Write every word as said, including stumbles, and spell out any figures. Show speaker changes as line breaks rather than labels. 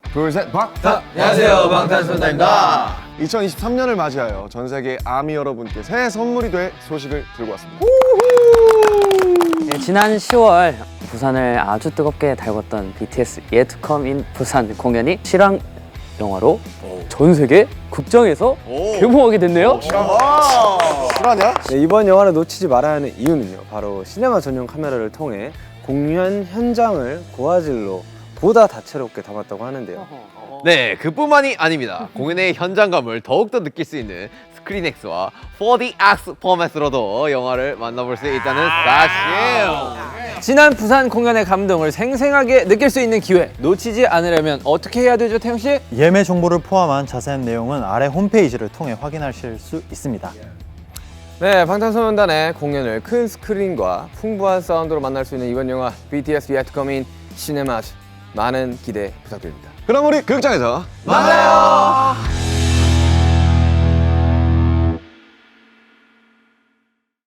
둘, 셋, 방탄!
안녕하세요, 방탄소년단입니다.
이천이십삼 년을 맞이하여 전 세계 아미 여러분께 새해 선물이 될 소식을 들고 왔습니다.
네, 지난 시월 부산을 아주 뜨겁게 달궜던 비티에스 Yet to Come in 부산 공연이 실황 영화로 전 세계 극장에서 개봉하게 됐네요.
실화냐?
네, 이번 영화를 놓치지 말아야 하는 이유는요, 바로 시네마 전용 카메라를 통해 공연 현장을 고화질로 보다 다채롭게 담았다고 하는데요.
네, 그뿐만이 아닙니다. 공연의 현장감을 더욱더 느낄 수 있는 스크린엑스와 포디엑스 포맷으로도 영화를 만나볼 수 있다는 사실.
지난 부산 공연의 감동을 생생하게 느낄 수 있는 기회 놓치지 않으려면 어떻게 해야 되죠, 태영 씨?
예매 정보를 포함한 자세한 내용은 아래 홈페이지를 통해 확인하실 수 있습니다.
네, 방탄소년단의 공연을 큰 스크린과 풍부한 사운드로 만날 수 있는 이번 영화 비티에스 Yet to Come in 시네마 많은 기대 부탁드립니다.
그럼 우리 극장에서
만나요.